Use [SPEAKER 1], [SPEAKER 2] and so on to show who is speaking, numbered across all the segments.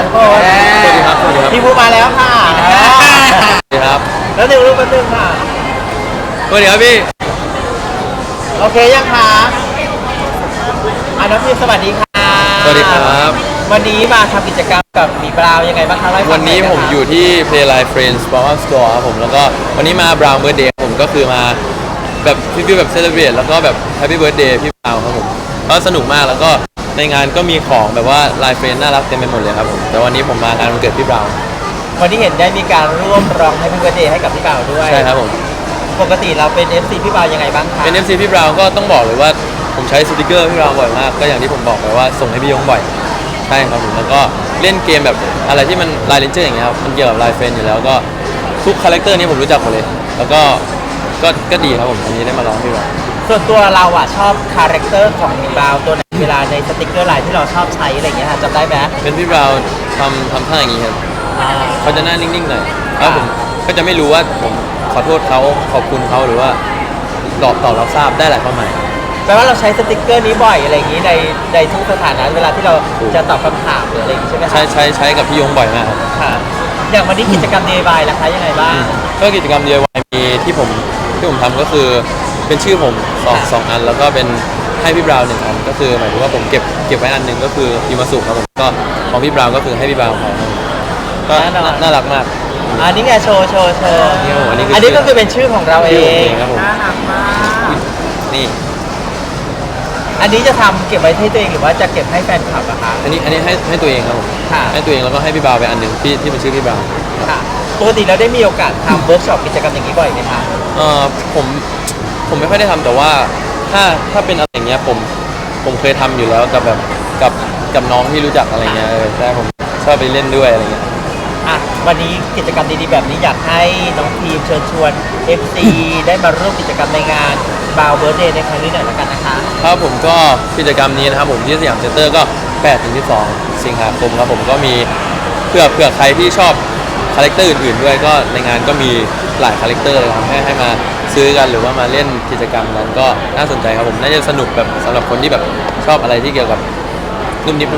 [SPEAKER 1] ทุกคน
[SPEAKER 2] สวัสดีครับสวัสดีครับ
[SPEAKER 1] พี่ภูมาแล้วค่ะ
[SPEAKER 2] สวัสดีครับ
[SPEAKER 1] แล้วหนึ่งรูปแป๊บนึงค่ะ
[SPEAKER 2] สวัสดีครับพี่
[SPEAKER 1] โอเคยังคะน้องพี่สวัสดีค่ะ
[SPEAKER 2] สวัสดีครับ
[SPEAKER 1] วันนี้มาทำกิจกรรมกับหมีบราวน์ยังไงบ้างคะเล่าให้ฟั
[SPEAKER 2] วั
[SPEAKER 1] ง
[SPEAKER 2] น
[SPEAKER 1] ห
[SPEAKER 2] นี้
[SPEAKER 1] ยะคะ
[SPEAKER 2] ผมอยู่ที่ Playline Friends Pop-up Store ครับผมแล้วก็วันนี้มา Brown Birthday ผมก็คือมาแบบฟิลแบบเซเลบรตแล้วก็แบบ Happy Birthday พี่บราวน์ครับผมก็สนุกมากแล้วก็ในงานก็มีของแบบว่า Line Friends น่ารักเต็มไปหมดเลยครับผมแต่วันนี้ผมมางานวันเกิดพี่บราวน์
[SPEAKER 1] วันนี้เห็นได้มีการร่วมร้องให้พี่เบิร์ดเดย์ให้กับพี่บ่าวด้วย
[SPEAKER 2] ใช่ครับผม
[SPEAKER 1] ปกติเราเป็น FC พี่บ่าวยังไงบ้างคะ
[SPEAKER 2] เป็น FC พี่บราวน์ก็ต้องบอกเลยว่าผมใช้สติกเกอร์พี่บราวน์บ่อยมากก็อย่างที่ผมบอกไปว่าส่งให้พี่ยงบ่อยใช่ครับผมแล้วก็เล่นเกมแบบอะไรที่มันไลน์เลนเจอร์อย่างเงี้ยครับมันเกี่ยวกับไลน์เฟนอยู่แล้วก็ทุกคาแรคเตอร์นี้ผมรู้จักหมดเลยแล้วก็ดีครับผมวันนี้ได้มาร้องพี่บราวน์
[SPEAKER 1] ส่วนตัวเราอ่ะชอบคาแรคเตอร์ของหมีบราวน์ตัวไหนเวลาในสติกเกอร์ไลน์ที่เราชอบใช้อะไรอย่างเงี้ยค่ะจำได้ไหม
[SPEAKER 2] เป็นพี่บราวน์ทำท่าอย่างงี้ครับ
[SPEAKER 1] อ่า
[SPEAKER 2] เขาจะหน้านิ่งๆหน่อยแล้วผมก็จะไม่รู้ว่าผมขอโทษเขาขอบคุณเขาหรือว่าตอบรับทราบได้หลายความหมาย
[SPEAKER 1] แปลว่าเราใช้สติกเกอร์นี้บ่อยอะไรอย่างงี้ในทุกสถานะเวลาที่เราจะตอบคำถามหรืออะไรอย่างงี้ใช่ไหมคะ
[SPEAKER 2] ใช้กับพี่ยงบ่อยมากครับ
[SPEAKER 1] ค่ะอย่างวันนี้กิจกรรม Day by ล่ะคะยังไงบ้าง
[SPEAKER 2] ก็กิจกรรม DIY มีที่ผมทำก็คือเป็นชื่อผมสองอันแล้วก็เป็นให้พี่บราวน์หนึ่งอันก็คือหมายถึงว่าผมเก็บไว้อันหนึ่งก็คือยูมาสุครับผมก็ของพี่บราวน์ก็คือให้พี่บราวน์เขาครับก็น่ารักมาก
[SPEAKER 1] อันนี้ไงโชว์
[SPEAKER 2] นี่ครับผมอันนี้คือ
[SPEAKER 1] อันนี้ก็คือเป็นชื่อของเราเอ
[SPEAKER 2] ชื่อผมเอง
[SPEAKER 1] ง
[SPEAKER 2] ครับผม
[SPEAKER 1] น่ารักมาก
[SPEAKER 2] นี่
[SPEAKER 1] อันนี้จะทำเก็บไว้ให้ตัวเองหรือว่าจะเก็บให้แฟนคลับอะคะ
[SPEAKER 2] อันนี้ให้ตัวเองครับผม
[SPEAKER 1] ค่ะ
[SPEAKER 2] ให้ตัวเองแล้วก็ให้พี่บราวน์ไปอันหนึ่งที่เป็นชื่อพี่บราวน์
[SPEAKER 1] ค่ะปกติเราได้มีโอกาสทำเวิร์กช็อปกิจกรรมอย่างนี้บ่อยไหมคะ
[SPEAKER 2] เอ่อผมไม่ค่อยได้ทำแต่ว่าถ้าเป็นอะไรอย่างเงี้ยผมเคยทำอยู่แล้วกับแบบกับน้องที่รู้จักอะไรเงี้ยใช่ผมชอบไปเล่นด้วยอะไรเงี้ย
[SPEAKER 1] อ่ะวันนี้กิจกรรมดีๆแบบนี้อยากให้น้องทีมเชิญชวน FC ได้มาร่วมกิจกรรมในงานบาวเบิร์ดเดย์ในครั้งนี้หน่อยละกันนะคะ
[SPEAKER 2] ครับผมก็กิจกรรมนี้นะครับผมที่สยามเซ็นเตอร์ก็8-12 สิงหาคมครับผมก็มีเผื่อใครที่ชอบคาแรคเตอร์อื่นๆด้วยก็ในงานก็มีหลายคาแรคเตอร์เลยครับให้มาซื้อกันหรือว่ามาเล่นกิจกรรมนั้นก็น่าสนใจครับผมน่าจะสนุกแบบสำหรับคนที่แบบชอบอะไรที่เกี่ยวกับนุ่มนิบ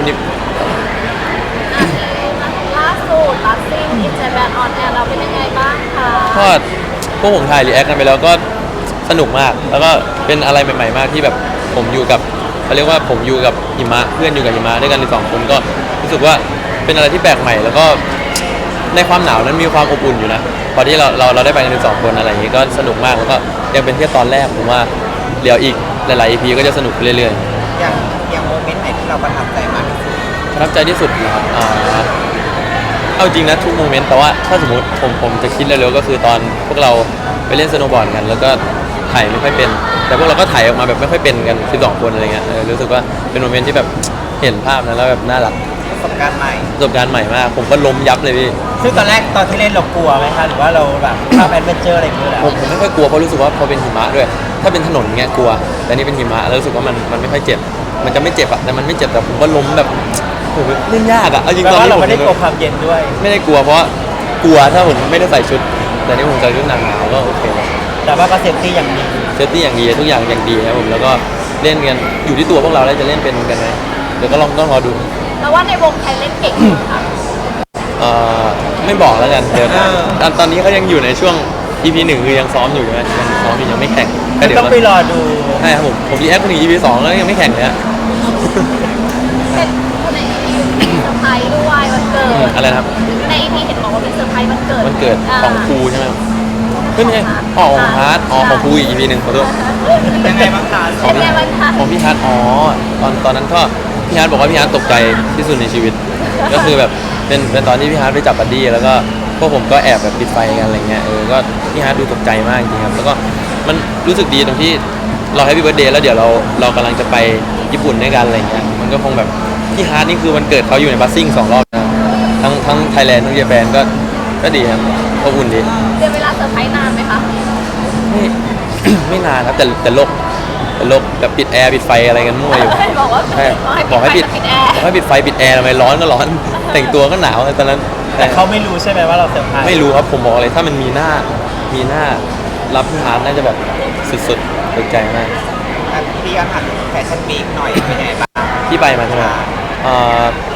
[SPEAKER 3] ล่าสุดลัสซิ่งอินเจแปนออนแอร์เราเป็นยังไงบ้างคะ
[SPEAKER 2] ก็พวกผมถ่ายรีแอคกันไปแล้วก็สนุกมาก แล้วก็เป็นอะไรใหม่ๆมากที่แบบผมอยู่กับเขาเรียกว่าผมอยู่กับหิมะเพื่อนอยู่กับหิมะด้วยกันใน2 คนก็รู้สึกว่าเป็นอะไรที่แปลกใหม่ แล้วก็ในความหนาวนั้นมีความอบอุ่นอยู่นะพอที่เราได้ไปกันใน2 คนอะไรอย่างนี้ก็สนุกมากแล้วก็ยังเป็นแค่ตอนแรกผมว่าเดี๋ยวอีกหลายๆ EP ก็จะสนุกไปเรื่อยๆ
[SPEAKER 1] อย่างโมเมนต์ไหนที่เราประทับใจมากที่สุด
[SPEAKER 2] ประทับใจที่สุดนะครับเอาจริงนะทุกโมเมนต์แต่ว่าถ้าสมมติผมจะคิดเร็วๆก็คือตอนพวกเราไปเล่นสโนว์บอร์ดกัน แล้วก็ถ่ายไม่ค่อยเป็น แต่พวกเราก็ถ่ายออกมาแบบไม่ค่อยเป็นกัน12 คนอะไรเงี้ยรู้สึกว่าเป็นโมเมนต์ที่แบบเห็นภาพนั้นแล้วแบบน่ารัก
[SPEAKER 1] ประสบการณ์ใหม่
[SPEAKER 2] ประสบการณ์ใหม่มากผมก็ล้มยับเลยพี่
[SPEAKER 1] ซึ่งตอนแรกตอนที่เล่นเรากลัวไหมคะหรือว่าเราแบบชอบแอดเวนเจอร์อะไรอย่างเงี้ยแหละ
[SPEAKER 2] ผมไม่ค่อยกลัวเพราะรู้สึกว่าพอเป็นหิมะด้วย ถ้าเป็นถนนเงี้ยกลัว แต่นี่เป็นหิมะแล้วรู้สึกว่ามันไม่ค่อยเจ็บ มันจะไม่เจ็บอะแต่มันไม่เจ็บแต่ผมก็ล้มแบบโอ้โหเล่นยากอะเอาจริง
[SPEAKER 1] แปล
[SPEAKER 2] ตอน
[SPEAKER 1] ว่า
[SPEAKER 2] นี้
[SPEAKER 1] เรา
[SPEAKER 2] ผม
[SPEAKER 1] ไม่ได้กลัวความเย็นด้วย
[SPEAKER 2] ไม่ได้กลัวเพราะกลัวถ้าผมไม่ได้ใส่ชุด แต่นี่ผมใส่ชุดหนังหนาวก็โอเคแล้ว
[SPEAKER 1] แต่ว่าก็เซฟตี้อย่างดี
[SPEAKER 2] เซฟตี้อย่างดีทุกอย่างอย่างดีครับผมแล้วก็เล่นกันอยู่ที่ตัวพวกเราแล้วจะเล่นเป็นกันไหมเดี๋ยวก็ต้องรอดู
[SPEAKER 3] แล้วว่าในวงใครเล่นเก่งสุดคะ
[SPEAKER 2] ไม่บอกแล้วกันเดี๋ยวตอนนี้เขายังอยู่ในช่วง EP 1คือยังซ้อมอยู่ใช่ไหมยังซ้อมอยู่ยังไม่แข่งก็เดี๋ยว
[SPEAKER 1] ต้องไปรอดู
[SPEAKER 2] ใช่ครับผมรีแอคคนถึง EP 2แล้วยังไม่แข่งเลยอะ
[SPEAKER 3] เป็นคนใน EP มีเซอร์ไพรส์ด้วยวันเกิด
[SPEAKER 2] อะไรนะครับ
[SPEAKER 3] ใน EP เห็นบอกว่ามีเซอร์ไพรส์วันเกิด
[SPEAKER 2] วันเกิดของครูใช่ไหมครับเฮ้ยไม่ใช่ของฮาร์ดของครูอีก EP 1ขอโทษ
[SPEAKER 1] ยังไงบ้างคะ
[SPEAKER 3] เป็นไงบ้างคะ
[SPEAKER 2] ของพี่ฮาร์ดตอนนั้นก็พี่ฮาร์ดบอกว่าพี่ฮาร์ดตกใจที่สุดในชีวิต ก็คือแบบเป็นตอนที่พี่ฮาร์ดไปจับบัดดี้แล้วก็พวกผมก็แอบแบบปิดไฟกันอะไรเงี้ยก็พี่ฮาร์ดดูตกใจมากจริงครับแล้วก็มันรู้สึกดีตรงที่เราให้พี่เบิร์ดเดย์แล้วเดี๋ยวเรากำลังจะไปญี่ปุ่นด้วยกันอะไรเงี้ยมันก็คงแบบพี่ฮาร์ดนี่คือวันเกิดเขาอยู่ในบัสซิ่ง2 รอบนะทั้งไทยแลนด์ทั้งเยอรมันก็ดีครับอบอุ่นดี
[SPEAKER 3] เดี๋ยวเวลาเซอร์ไพรส์นานไหมคะ
[SPEAKER 2] ไม่ ไม่นานครับแต่โลกแบบปิดแอร์ปิดไฟอะไรกันมั่วอยู่
[SPEAKER 3] บอกว่า
[SPEAKER 2] ใช่
[SPEAKER 3] บอกให้ปิด
[SPEAKER 2] บอกให้ปิดไฟปิดแอร์ทำไมร้อนก็ร้อน แต่งตัวก็หนาวตอนนั้น
[SPEAKER 1] แต่เขาไม่รู้ใช่ไหมว่าเราเซอร์ไพรส์
[SPEAKER 2] ไม่รู้ครับผมบอกเลยถ้ามันมีหน้ารับพี่ฮาร์ดน่าจะแบบสุดๆตกใจมาก
[SPEAKER 1] พี่ก็ถามแฟชั่นวีคหน่อยเป็นไงบ้าง
[SPEAKER 2] ที่ไปมาใช่ไหม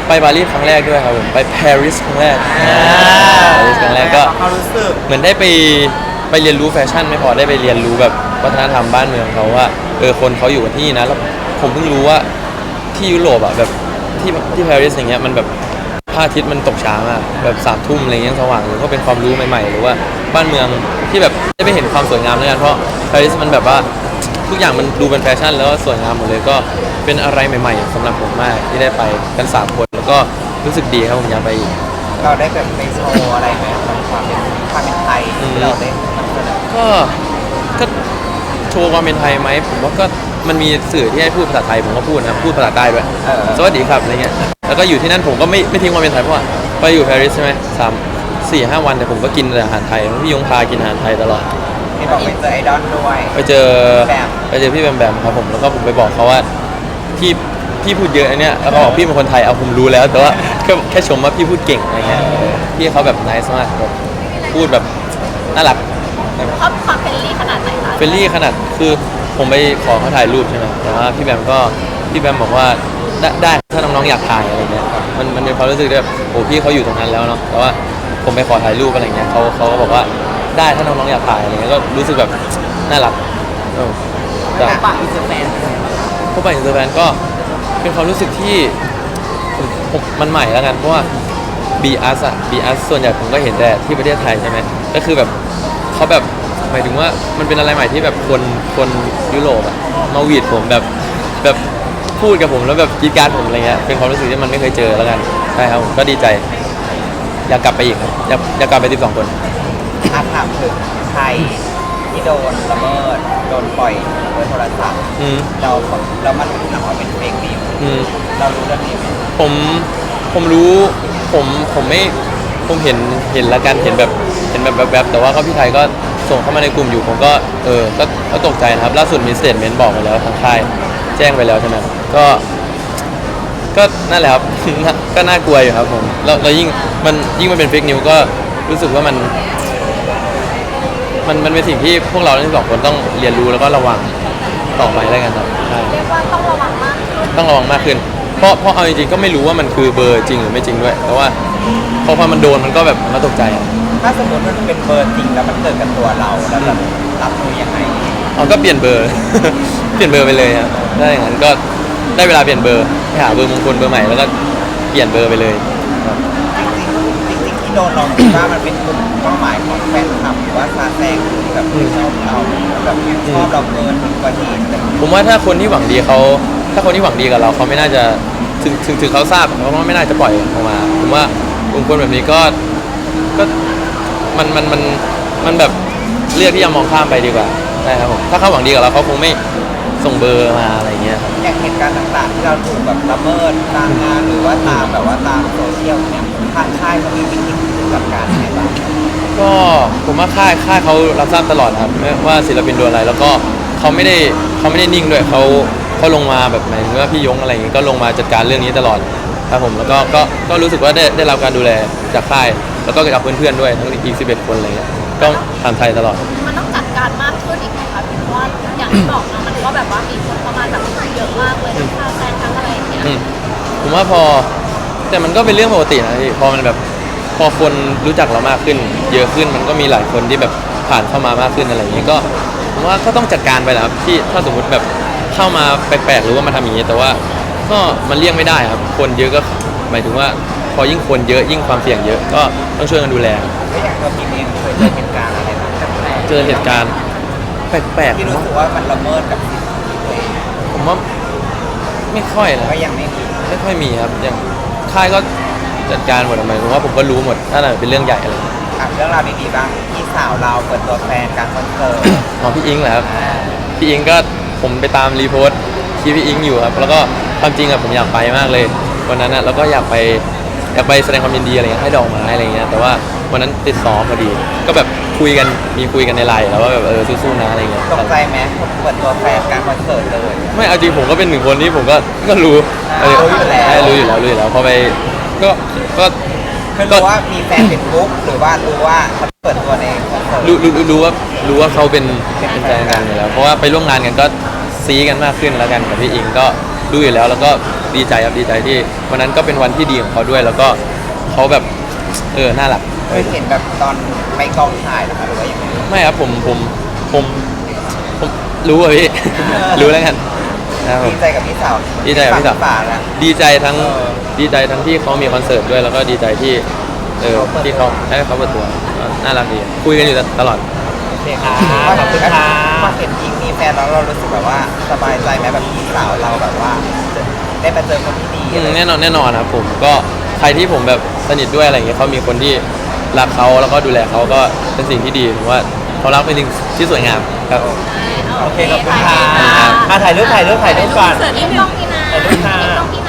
[SPEAKER 2] ไปปารีสครั้งแรกด้วยครับผมไปปารีสครั้งแรกปารีสครั้งแรกก็
[SPEAKER 1] เขารู้สึก
[SPEAKER 2] เหมือนได้ไปเรียนรู้แฟชั่นไม่พอได้ไปเรียนรู้แบบวัฒนธรรมบ้านเมืองเขาว่าคนเขาอยู่กันที่นี่นะแล้วผมเพิ่งรู้ว่าที่ยุโรปอ่ะแบบที่ปารีสอย่างเงี้ยมันแบบพระอาทิตย์มันตกช้ามากแบบ3 ทุ่มอะไรเงี้ยสว่างหรือก็เป็นความรู้ใหม่ๆหรือว่าบ้านเมืองที่แบบได้ไปเห็นความสวยงามด้วยกันเพราะปารีสมันแบบว่าทุกอย่างมันดูเป็นแฟชั่นแล้วก็สวยงามหมดเลยก็เป็นอะไรใหม่ๆสำหรับผมมากที่ได้ไปกัน3 คนแล้วก็รู้สึกดีครับผมอยากไปอีก
[SPEAKER 1] เราได้แบบไปโชว์อะไรไหมความเป็นไทยที่เราได้นำเสนอ
[SPEAKER 2] ก็โชว์ความเป็นไทยไหมผมว่าก็มันมีสื่อที่ให้พูดภาษาไทยผมก็พูดนะพูดภาษาใต้ด้วยสวัสดีครับอะไรเงี้ยแล้วก็อยู่ที่นั่นผมก็ไม่ทิ้งความเป็นไทยเพราะว่าไปอยู่ปารีสใช่ไหม3-4-5 วันแต่ผมก็กินแต่อาหารไทยพี่ยงพากินอาหารไทยตลอด
[SPEAKER 1] ที่บอกไปเจอไอดอลด้วย
[SPEAKER 2] ไปเจอพี่แบมครับผมแล้วก็ผมไปบอกเขาว่าพี่พูดเยอะอันเนี้ยแล้วก็บอกพี่เป็นคนไทยเอาผมรู้แล้วแต่ว่าแค่ชมว่าพี่พูดเก่งอะไรเงี้ยพี่เขาแบบไนซ์มากแบบพูดแบบน่ารัก
[SPEAKER 3] ชอบความเฟรนลี่ขนาดไหนคะ
[SPEAKER 2] เฟรนลี่ขนาดคือผมไปขอเขาถ่ายรูปใช่ไหมแต่ว่าพี่แบมบอกว่าได้ถ้าน้องๆอยากถ่ายอะไรเงี้ยมันเป็นความรู้สึกแบบโอ้พี่เขาอยู่ตรงนั้นแล้วเนาะแต่ว่าผมไปขอถ่ายรูปอะไรเงี้ยเขาก็บอกว่าได้ถ้าน้องๆอยากถ่ายอะไรเงี้ยก็รู้สึกแบบน่ารักแต่
[SPEAKER 1] ปะอินเตอร์แฟน
[SPEAKER 2] พบปะอินเตอร์แฟนก็เป็นความรู้สึกที่มันใหม่แล้วกันเพราะว่า BS ส่วนใหญ่ผมก็เห็นแต่ที่ประเทศไทยใช่ไหมก็คือแบบเขาแบบหมายถึงว่ามันเป็นอะไรใหม่ที่แบบคนยุโรปอะมาหวีดผมแบบพูดกับผมแล้วแบบกรีดกรารผมอะไรเงี้ยเป็นความรู้สึกที่มันไม่เคยเจอแล้วกันใช่ครับผมก็ดีใจอยากกลับไปอีกครับอยากกลับไป12 คน
[SPEAKER 1] ถามถึงไทยที่โดนละเมิดโดนปล่อยด้วยโทรศัพท์
[SPEAKER 2] อืม
[SPEAKER 1] เรามารู้หนังว่าเป็นเฟกนิว
[SPEAKER 2] อืม
[SPEAKER 1] เรารู้เรื่องนี้ไหม
[SPEAKER 2] ผมรู้ผมไม่ผมเห็นละกันเห็นแบบแต่ว่าก็พี่ไทยก็ส่งเข้ามาในกลุ่มอยู่ผมก็ก็ตกใจนะครับล่าสุดมีสเตทเมนต์บอกไปแล้วทางค่ายแจ้งไปแล้วใช่ไหมก็นั่นแหละครับ ก็น่ากลัวอยู่ครับผมแล้วยิ่งมันเป็นเฟกนิวก็รู้สึกว่ามันเป็นสิ่งที่พวกเราทั้ง2 คนต้องเรียนรู้แล้วก็ระวังต่อไปแล้วกันครับใช่
[SPEAKER 3] เรียกว่าต้องระวังมากขึ้น
[SPEAKER 2] ต้องระวังมากขึ้น เพราะเอาจริงๆก็ไม่รู้ว่ามันคือเบอร์จริงหรือไม่จริงด้วย แต่ว่าพอมันโดนมันก็แบบมันตกใจอะ
[SPEAKER 1] ถ้าสมมติมันเป็นเบอร์จริงแล้วมันเกิดกับตัวเราแล้วเรารับมือยังไง
[SPEAKER 2] เอาก็เปลี่ยนเบอร์ เปลี่ยนเบอร์ไปเลยครับได้อย่างนั้นก็ได้เวลาเปลี่ยนเบอร์ไปหาเบอร์มงคลเบอร์ใหม่แล้วก็เปลี่ยนเบอร์ไปเลยครับ
[SPEAKER 1] จริงๆที่โดนเราคิดว่ามันเป็นกลุ่มเป้าหมายของแฟนคลับหรือว่าซาแซงที่แบบชอบเราแบบชอบเราเกินกว่าเหตุอะไรอย่างเงี้ย
[SPEAKER 2] ผมว่าถ้าคนที่หวังดีกับเราเขาไม่น่าจะถึงเขาทราบเขาก็ไม่น่าจะปล่อยออกมาผมว่ากลุ่มคนแบบนี้ก็มันแบบเลือกที่จะมองข้ามไปดีกว่าใช่ครับผมถ้าเขาหวังดีกับเราเขาคงไม่ส่งเบอร์มาอะไรเงี้ยครับ
[SPEAKER 1] อย่างเหตุการณ์ต่างๆที่เราถูกแบบละเมิดตามงานหรือว่าตามแบบว่าตามโซเชียลเนี่ยทางค่ายเขามีวิธีจัดการยังไงบ้าง
[SPEAKER 2] ก็ผมว่าค่ายเขารับทราบตลอดครับไม่ว่าศิลปินโดนอะไรแล้วก็เขาไม่ได้นิ่งด้วยเขาลงมาแบบหมายถึงว่าพี่ยงอะไรอย่างงี้ก็ลงมาจัดการเรื่องนี้ตลอดครับผมแล้วก็รู้สึกว่าได้รับการดูแลจากค่ายแล้วก็จากเพื่อนๆด้วยทั้งอีก11 คนอะไรเงี้ยก็ทำไทยตลอด
[SPEAKER 3] มันต้องจัดการมากขึ้นอีกไหมคะเพราะว่าอย่างที่บอกนะมันก็แบบว่ามีคนเข้ามาแบบเยอะมากเลยทั้งค่าแซงทั้งอะไรอย่างเงี้ย
[SPEAKER 2] ผมว่าแต่มันก็เป็นเรื่องปกตินะพี่พอมันแบบพอคนรู้จักเรามากขึ้น เยอะขึ้นมันก็มีหลายคนที่แบบผ่านเข้ามามากขึ้นอะไรอย่างเงี้ยก็ผมว่าก็ต้องจัดการไปแหละครับที่ถ้าสมมติแบบเข้ามาแปลกๆหรือว่ามาทำอย่างนี้แต่ว่าก็มันเลี่ยงไม่ได้ครับคนเยอะก็หมายถึงว่าพอยิ่งคนเยอะยิ่งความเสี่ยงเยอะก็ต้องช่วยกันดูแล
[SPEAKER 1] แล้วอย่างตัวพี่เองเคยเจอเหตุการณ์อะไรแบบแปลก
[SPEAKER 2] เจอเหตุการณ์แปลก
[SPEAKER 1] ๆที่รู้สึกว่ามันละเมิดกับสิทธิตัวเอง
[SPEAKER 2] ผมว่าไม่ค่อยนะ
[SPEAKER 1] ก็ยังไม่มี
[SPEAKER 2] ไม่ค่อยมีครับอย่างค่ายก็จัดการหมดหมายถึงว่าผมก็รู้หมดถ้าเป็นเรื่องใหญ่อะไร
[SPEAKER 1] เรื่องราวดีๆบ้างพี่สาวเราเปิดตัวแฟนการคอนเสิร์ต
[SPEAKER 2] อ๋อพี่อิงเหรอครับพี่อิงก็ผมไปตามรีโพสต์ที่พี่อิงอยู่ครับแล้วก็ความจริงอะผมอยากไปมากเลยวันนั้นอะแล้วก็อยากไปแสดงความยินดีอะไรเงี้ยให้ดอกไม้อะไรเงี้ยแต่ว่าวันนั้นติดซ้อมพอดี ก็แบบคุยกันในไลน์แล้วว่าแบบสู้ๆนะอะไรเงี้ย
[SPEAKER 1] ตกใจไหมเปิดตัวแฟนการคอนเสิร์ตเลย
[SPEAKER 2] ไม่เอาจริงผมก็เป็น1 คนที่ผมก็รู้รู้อยู่แล้วพอไปก็
[SPEAKER 1] คือรู้ว่ามีแฟนเป็นบุ๊กหรือว่ารู้ว่าเขาเปิดตัวในคอนเสิร์ต
[SPEAKER 2] รู้ว่าเขาเป็นแฟนกันอยู่แล้วเพราะว่าไปร่วมงานกันก็ซีกันมากขึ้นแล้วกันกับพี่อิงก็ดูอยู่แล้วก็ดีใจครับดีใจที่วันนั้นก็เป็นวันที่ดีของเขาด้วย แล้วก็เขาแบบน่ารัก
[SPEAKER 4] เคยเห็นแบบตอนไปกองถ่ายเหรอคะหรือว่าอย่างไร
[SPEAKER 2] ไม่ครับผมรู้อะพี่ รู้แล้วกันนะครับผม
[SPEAKER 4] ดีใจกับพี่สาว
[SPEAKER 2] ดีใจกับพี่สาว
[SPEAKER 4] ฝาแล้ว
[SPEAKER 2] ดีใจทั้งที่เขามีคอนเสิร์ตด้วยแล้วก็ดีใจที่ที่เขาให้เขาเปิดตัวน่ารักดีคุยกันอยู่ตลอด
[SPEAKER 1] โอเคค่ะขอบคุณค่ะ
[SPEAKER 4] พอเห็นอิงมีแฟนแล้วเรารู้สึกแบบว่าสบายใจไหมแบบพี่สาวเราแบบว่าได้มาเจอคนที่ดีอะไร
[SPEAKER 2] แน่นอนครับผมก็ใครที่ผมแบบสนิทด้วยอะไรอย่างเงี้ยเขามีคนที่รักเขาแล้วก็ดูแลเขาก็เป็นสิ่งที่ดีผมว่าเขารักเป็นสิ่งที่สวยงามครับ
[SPEAKER 1] โอเคขอบคุณค่ะถ่ายรูปก่อน
[SPEAKER 3] เสิร์ฟนี่กล้องพี่นะ
[SPEAKER 1] ถ่ายรูปค่ะ
[SPEAKER 3] กล้องพี่